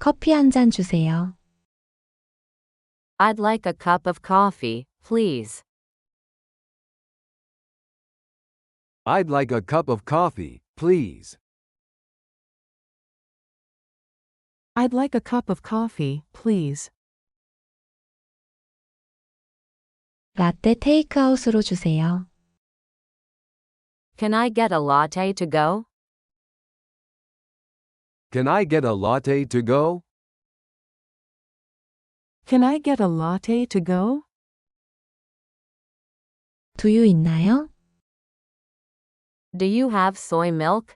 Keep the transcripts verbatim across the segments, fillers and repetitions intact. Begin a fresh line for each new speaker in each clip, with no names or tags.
커피 한 잔 주세요.
I'd like a cup of coffee, please.
I'd like a cup of coffee, please.
I'd like a cup of coffee, please.
라떼 테이크아웃으로 주세요.
Can I get a latte to go?
Can I get a latte to go?
Can I get a latte to go?
두유 있나요?
Do you have soy milk?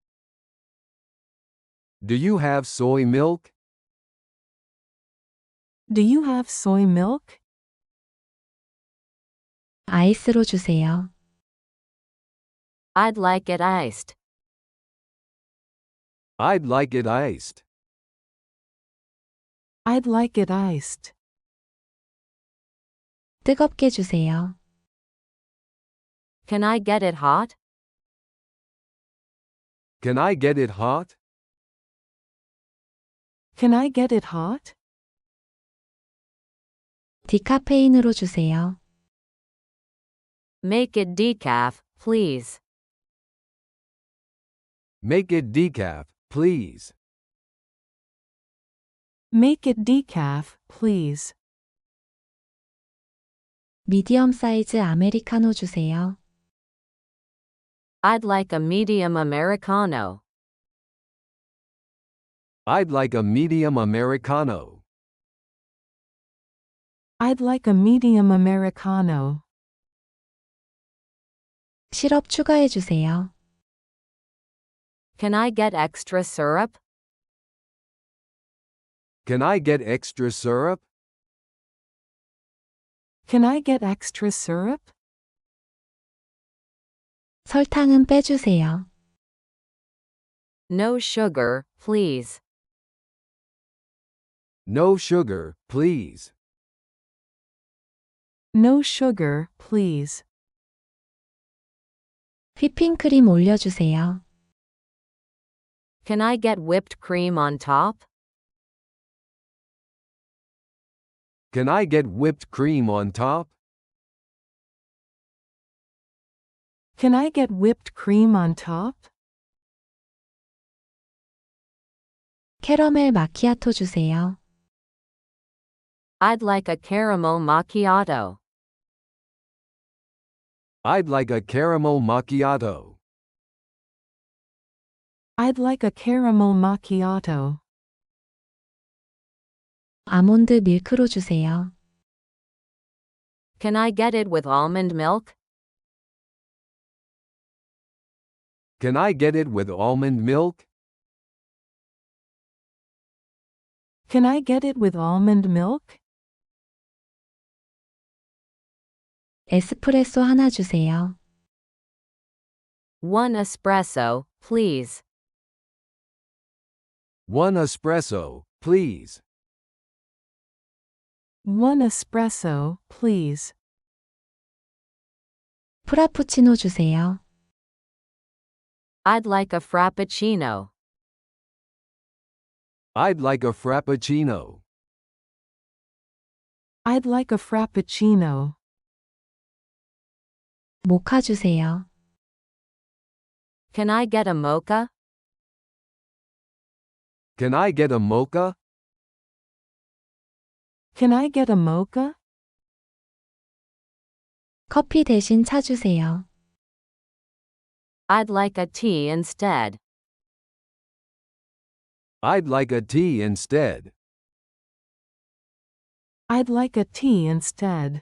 Do you have soy milk?
Do you have soy milk?
아이스로 주세요.
I'd like it iced.
I'd like it iced.
I'd like it iced.
뜨겁게 주세요.
Can I get it hot?
Can I get it hot?
Can I get it hot?
디카페인으로 주세요.
Make it decaf, please.
Make it decaf, please.
Make it decaf, please.
미디엄 사이즈 아메리카노 주세요.
I'd like a medium Americano.
I'd like a medium Americano.
I'd like a medium Americano.
시럽 추가해 주세요.
Can I get extra syrup?
Can I get extra syrup?
Can I get extra syrup?
설탕은 빼주세요.
No sugar, please.
No sugar, please.
No sugar, please.
휘핑크림 올려주세요.
Can I get whipped cream on top?
Can I get whipped cream on top?
Can I get whipped cream on top?
캐러멜 마키아토 주세요.
I'd like a caramel macchiato.
I'd like a caramel macchiato.
I'd like a caramel macchiato.
아몬드 밀크로 주세요.
Can I get it with almond milk?
Can I get it with almond milk?
Can I get it with almond milk?
에스프레소 하나 주세요.
One espresso, please.
One espresso, please.
One espresso, please.
프라푸치노 주세요.
I'd like a frappuccino.
I'd like a frappuccino.
I'd like a frappuccino.
모카 주세요.
Can I get a mocha?
Can I get a mocha?
Can I get a mocha?
커피 대신 차 주세요.
I'd like a tea instead.
I'd like a tea instead.
I'd like a tea instead.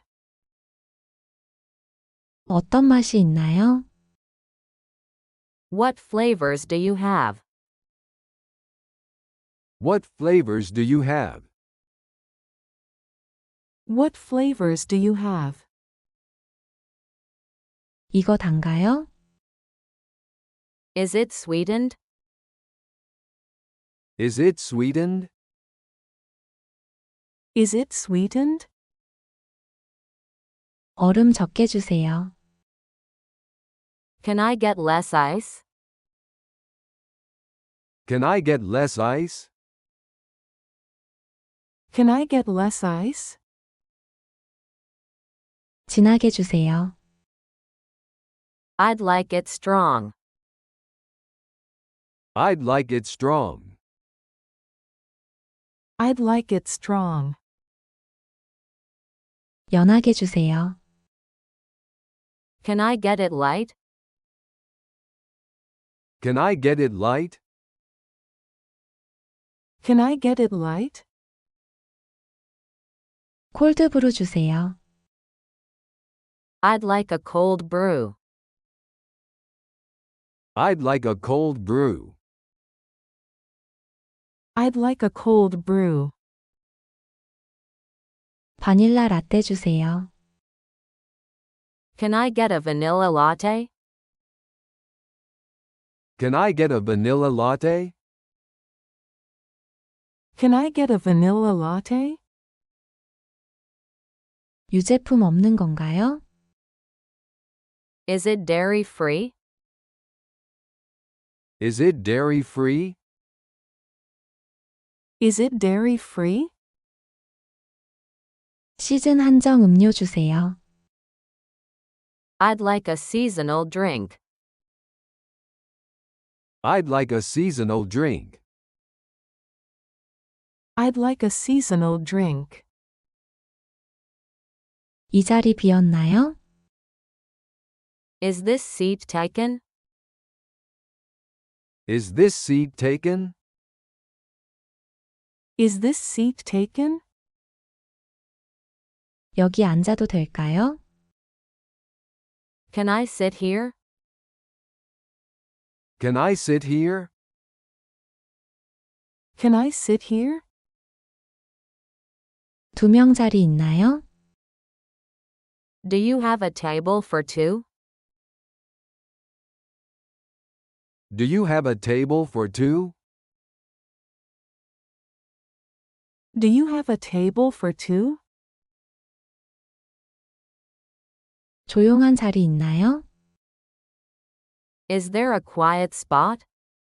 어떤 맛이 있나요?
What flavors do you have?
What flavors do you have?
What flavors do you have?
이거 단가요?
Is it sweetened?
Is it sweetened?
Is it sweetened?
얼음 적게 주세요.
Can I get less ice?
Can I get less ice?
Can I get less ice?
진하게 주세요.
I'd like it strong.
I'd like it strong.
I'd like it strong.
연하게 주세요.
Can I get it light?
Can I get it light?
Can I get it light?
콜드브루 주세요.
I'd like a cold brew.
I'd like a cold brew.
I'd like a cold brew.
바닐라 라떼 주세요.
Can I get a vanilla latte?
Can I get a vanilla latte?
Can I get a vanilla latte?
유제품 없는 건가요?
Is it dairy free?
Is it dairy free?
Is it dairy free?
시즌 한정 음료 주세요.
I'd like a seasonal drink.
I'd like a seasonal drink.
I'd like a seasonal drink.
이 자리 비었나요?
Is this seat taken?
Is this seat taken?
Is this seat taken?
여기 앉아도 될까요?
Can I sit here?
Can I sit here?
Can I sit here?
두 명 자리 있나요?
Do you have a table for two?
Do you have a table for two?
Do you have a table for two?
조용한 자리 있나요?
Is there a quiet spot?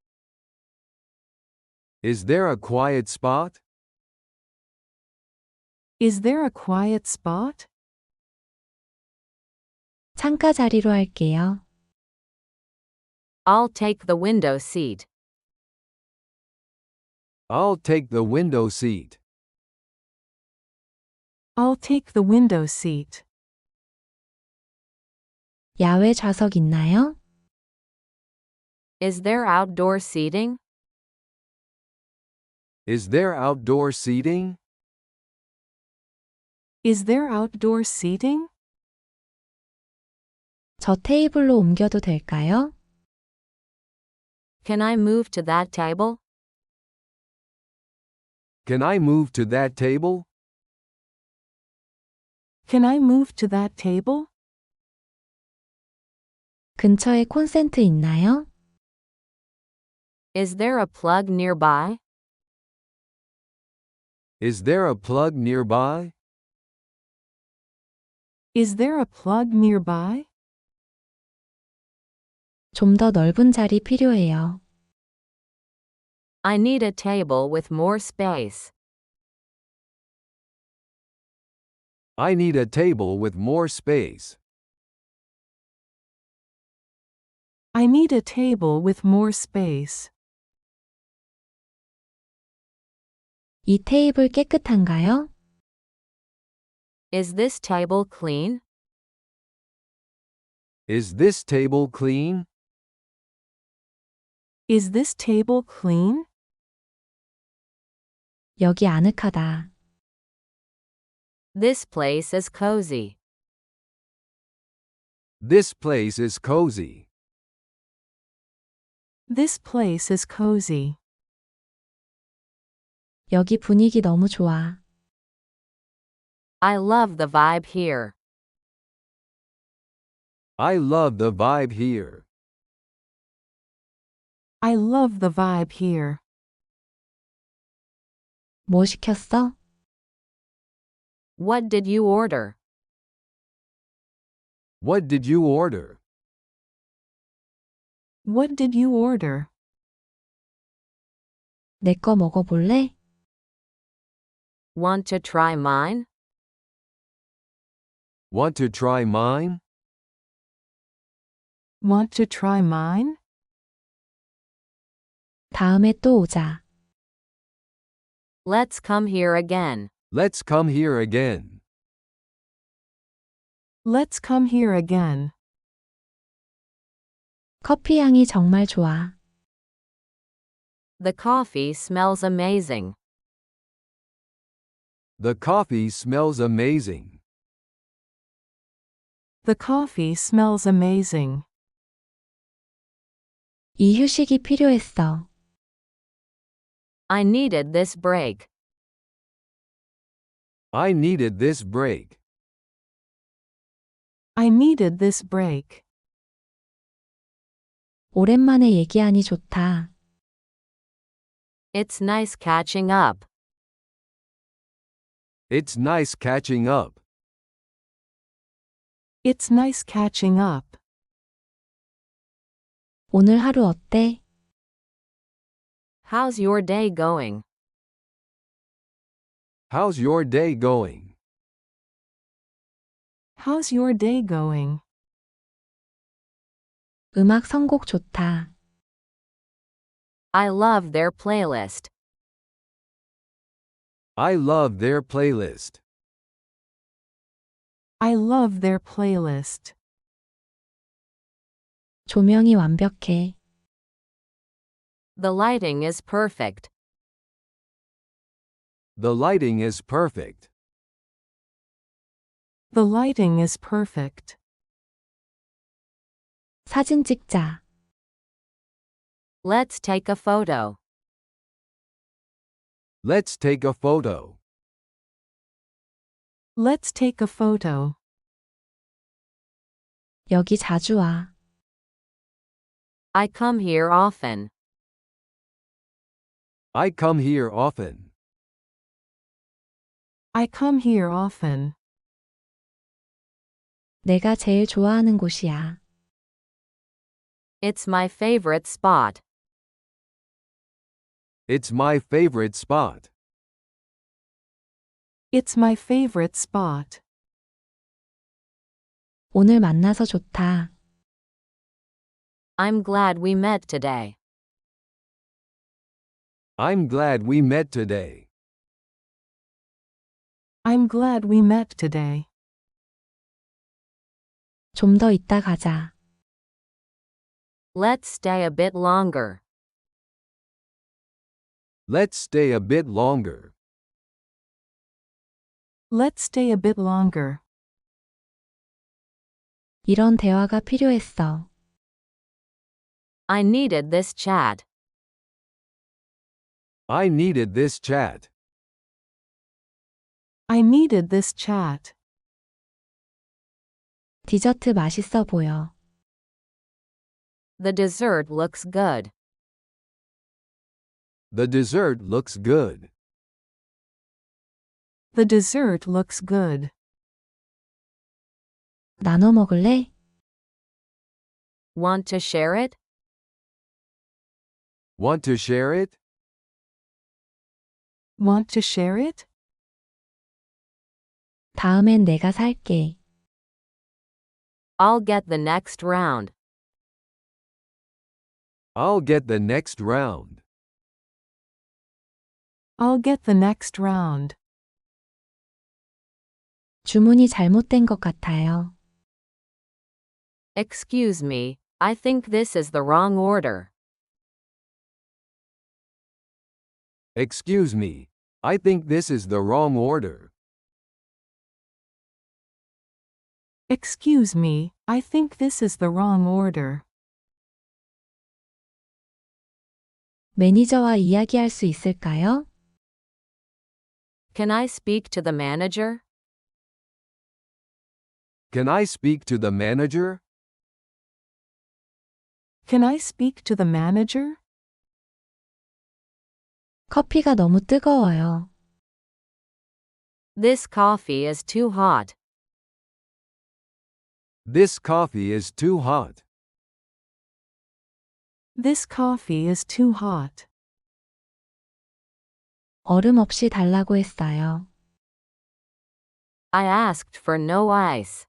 Is there a quiet spot?
Is there a quiet spot?
창가 자리로 할게요.
I'll take the window seat.
I'll take the window seat.
I'll take the window seat.
야외 좌석 있나요?
Is there outdoor seating?
Is there outdoor seating?
Is there outdoor seating?
저 테이블로 옮겨도 될까요?
Can I move to that table?
Can I move to that table?
Can I move to that table?
근처에 콘센트 있나요?
Is there a plug nearby?
Is there a plug nearby?
Is there a plug nearby?
좀 더 넓은 자리 필요해요.
I need a table with more space.
I need a table with more space.
I need a table with more space.
이 테이블 깨끗한가요?
Is this table clean?
Is this table clean?
Is this table clean?
여기 아늑하다.
This place is cozy.
This place is cozy.
This place is cozy.
여기 분위기 너무 좋아.
I love the vibe here.
I love the vibe here.
I love the vibe here.
뭐 시켰어?
What did you order?
What did you order?
What did you order?
내 거 먹어볼래?
Want to try mine?
Want to try mine?
Want to try mine?
다음에 또 오자.
Let's come here again.
Let's come here again.
Let's come here again.
커피 향이 정말 좋아.
The coffee smells amazing.
The coffee smells amazing.
The coffee smells amazing.
이 휴식이 필요했어.
I needed this break.
I needed this break.
I needed this break.
오랜만에 얘기하니 좋다.
It's nice catching up.
It's nice catching up.
It's nice catching up.
오늘 하루 어때?
How's your day going?
How's your day going?
How's your day going?
음악 선곡 좋다.
I love their playlist.
I love their playlist.
I love their playlist.
조명이 완벽해.
The lighting is perfect.
The lighting is perfect.
The lighting is perfect.
사진 찍자.
Let's take a photo.
Let's take a photo.
Let's take a photo.
여기 자주 와.
I come here often.
I come here often.
I come here often.
내가 제일 좋아하는 곳이야.
It's my favorite spot.
It's my favorite spot.
It's my favorite spot.
오늘 만나서 좋다.
I'm glad we met today.
I'm glad we met today.
I'm glad we met today.
좀 더 있다 가자.
Let's stay a bit longer.
Let's stay a bit longer.
Let's stay a bit longer.
이런 대화가 필요했어.
I needed this chat.
I needed this chat.
I needed this chat.
디저트 맛있어 보여.
The dessert looks good.
The dessert looks good.
The dessert looks good.
나눠 먹을래?
Want to share it?
Want to share it?
Want to share it?
다음엔 내가 살게.
I'll get the next round.
I'll get the next round.
I'll get the next round.
주문이 잘못된 것 같아요.
Excuse me, I think this is the wrong order.
Excuse me. I think this is the wrong order.
Excuse me, I think this is the wrong order.
매니저와 이야기할 수 있을까요?
Can I speak to the manager?
Can I speak to the manager?
Can I speak to the manager?
커피가 너무 뜨거워요.
This coffee is too hot.
This coffee is too hot.
This coffee is too hot.
얼음 없이 달라고 했어요.
I asked for no ice.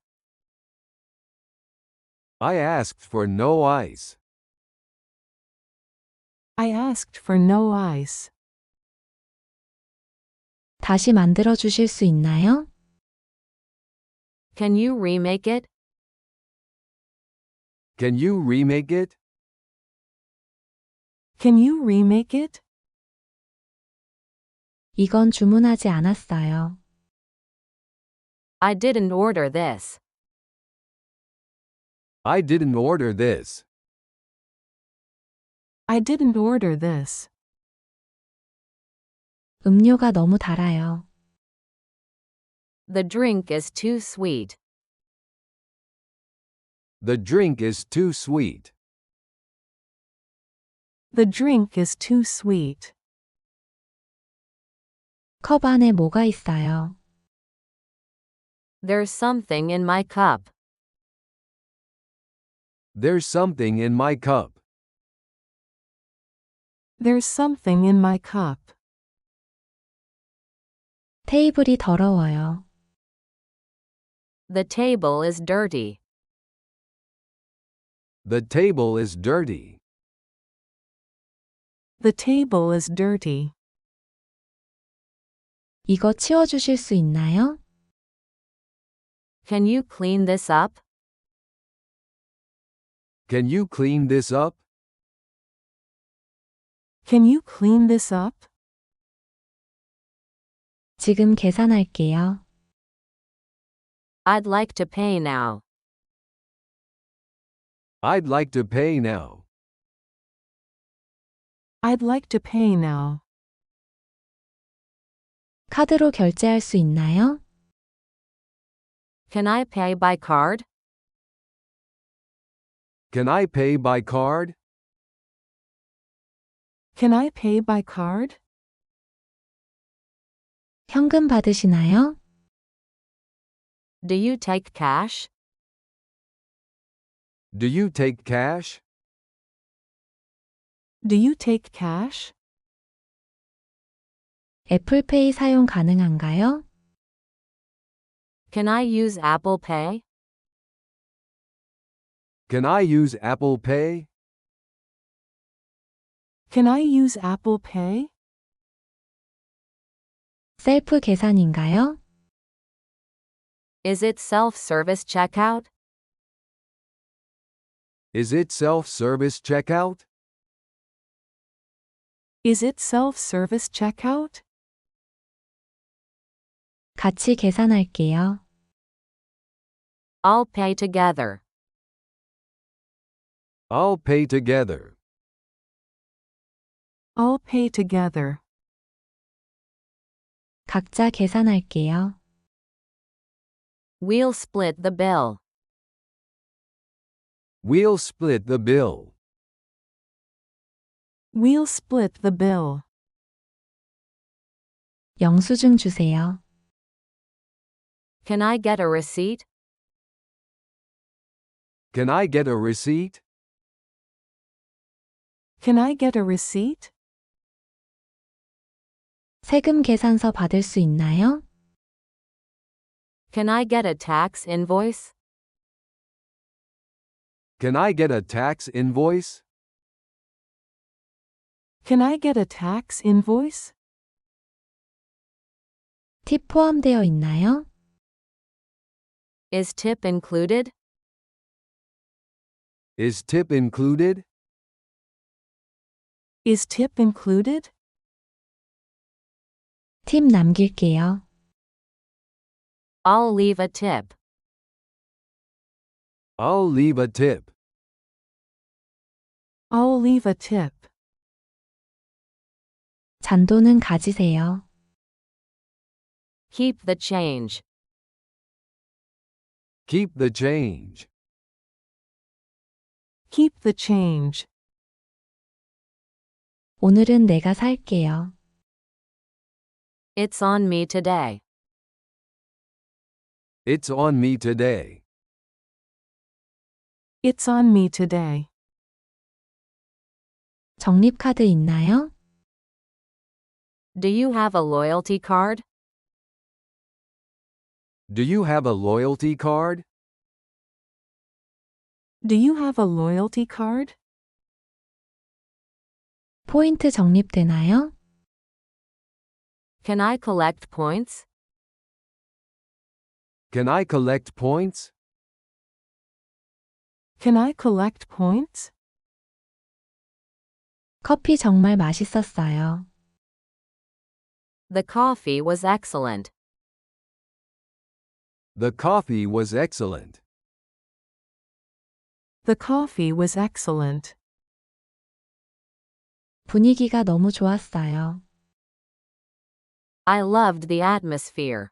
I asked for no ice.
I asked for no ice.
다시 만들어 주실 수 있나요?
Can you remake it?
Can you remake it?
Can you remake it?
이건 주문하지 않았어요.
I didn't order this.
I didn't order this.
I didn't order this.
음료가 너무 달아요.
The drink is too sweet.
The drink is too sweet.
The drink is too sweet.
컵 안에 뭐가 있어요?
There's something in my cup.
There's something in my cup.
There's something in my cup.
테이블이 더러워요.
The table is dirty.
The table is dirty.
The table is dirty.
이거 치워주실 수 있나요?
Can you clean this up?
Can you clean this up?
Can you clean this up?
지금 계산할게요.
I'd like to pay now.
I'd like to pay now.
I'd like to pay now.
카드로 결제할 수 있나요?
Can I pay by card?
Can I pay by card?
Can I pay by card?
현금 받으시나요?
Do you take cash?
Do you take cash?
Do you take cash?
애플페이 사용 가능한가요?
Can I use Apple Pay?
Can I use Apple Pay?
Can I use Apple Pay?
셀프 계산인가요?
Is it self-service checkout?
Is it self-service checkout?
Is it self-service checkout?
같이 계산할게요.
I'll pay together.
I'll pay together.
I'll pay together.
각자 계산할게요.
We'll split the bill.
We'll split the bill.
We'll split the bill.
영수증 주세요.
Can I get a receipt?
Can I get a receipt?
Can I get a receipt?
세금 계산서 받을 수 있나요?
Can I get a tax invoice?
Can I get a tax invoice?
Can I get a tax invoice?
팁 포함되어 있나요?
Is tip included?
Is tip included?
Is tip included?
팁 남길게요.
I'll leave a tip.
I'll leave a tip.
I'll leave a tip.
잔돈은 가지세요.
Keep the change.
Keep the change.
Keep the change.
오늘은 내가 살게요.
It's on me today.
It's on me today.
It's on me today.
적립카드 있나요?
Do you have a loyalty card?
Do you have a loyalty card?
Do you have a loyalty card?
포인트 적립되나요?
Can I collect points?
Can I collect points?
Can I collect points?
커피 정말 맛있었어요.
The coffee was excellent.
The coffee was excellent.
The coffee was excellent.
분위기가 너무 좋았어요.
I loved the atmosphere.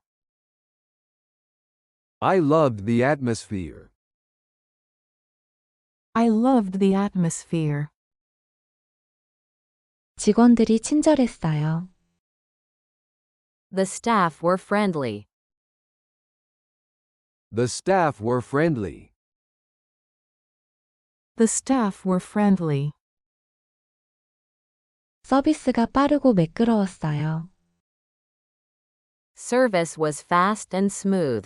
I loved the atmosphere.
I loved the atmosphere.
직원들이 친절했어요.
The staff were friendly.
The staff were friendly.
The staff were friendly.
서비스가 빠르고 매끄러웠어요.
Service was fast and smooth.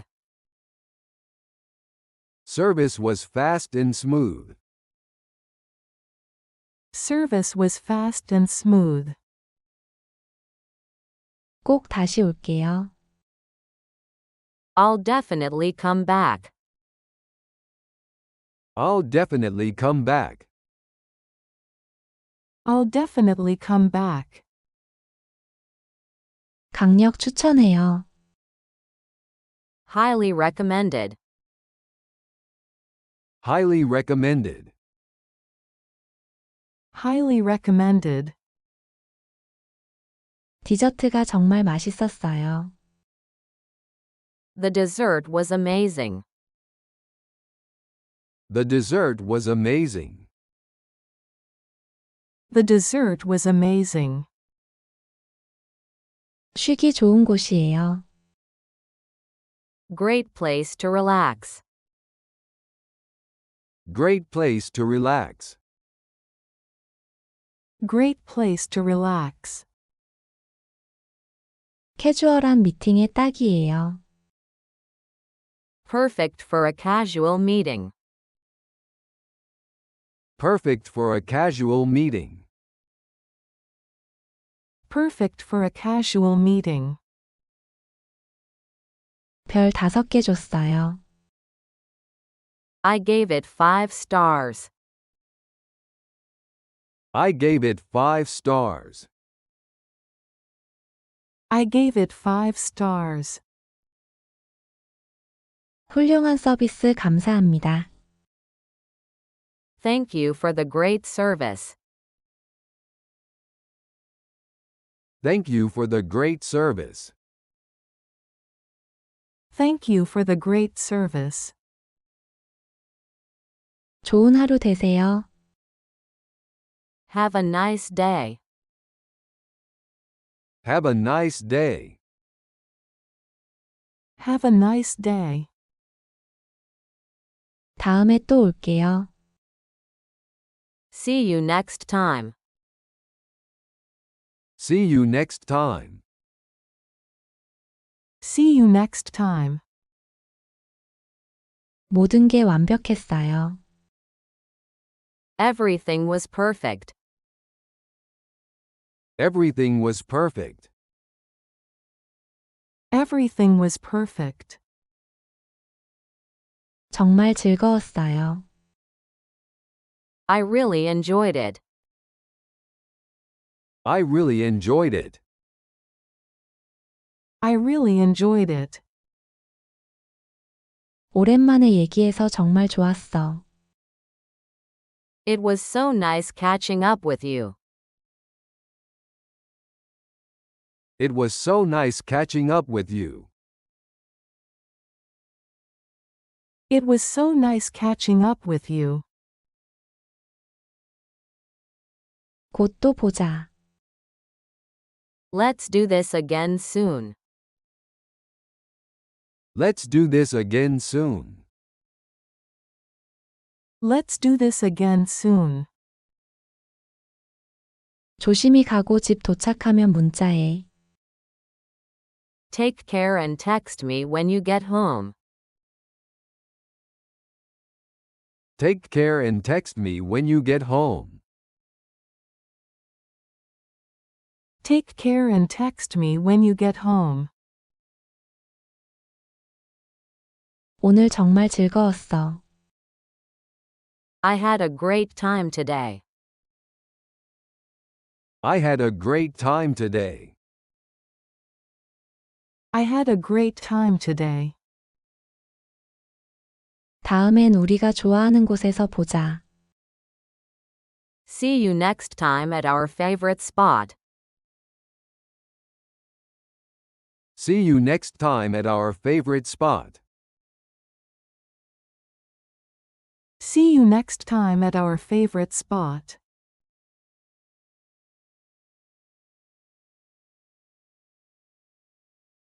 Service was fast and smooth.
Service was fast and smooth.
꼭 다시 올게요.
I'll definitely come back.
I'll definitely come back.
I'll definitely come back.
강력 추천해요.
Highly recommended.
Highly recommended.
Highly recommended.
디저트가 정말 맛있었어요.
The dessert was amazing.
The dessert was amazing.
The dessert was amazing.
쉬기 좋은 곳이에요.
Great place to relax.
Great place to relax.
Great place to relax.
캐주얼한 미팅에 딱이에요.
Perfect for a casual meeting.
Perfect for a casual meeting.
Perfect for a casual meeting.
별 다섯 개 줬어요.
I gave it five stars.
I gave it five stars.
I gave it five stars.
훌륭한 서비스 감사합니다.
Thank you for the great service.
Thank you for the great service.
Thank you for the great service.
좋은 하루 되세요.
Have a nice day.
Have a nice day.
Have a nice day.
다음에 또 올게요.
See you next time.
See you next time.
See you next time.
모든 게 완벽했어요.
Everything was perfect.
Everything was perfect.
Everything was perfect.
정말 즐거웠어요.
I really enjoyed it.
I really enjoyed it.
I really enjoyed it.
오랜만에 얘기해서 정말 좋았어.
It was so nice catching up with you.
It was so nice catching up with you.
It was so nice catching up with you.
곧 또 보자.
Let's do this again soon.
Let's do this again soon.
Let's do this again soon.
조심히 가고 집 도착하면 문자해.
Take care and text me when you get home.
Take care and text me when you get home.
Take care and text me when you get home.
오늘 정말 즐거웠어.
I had a great time today.
I had a great time today.
I had a great time today.
다음엔 우리가 좋아하는 곳에서 보자.
See you next time at our favorite spot.
See you next time at our favorite spot.
See you next time at our favorite spot.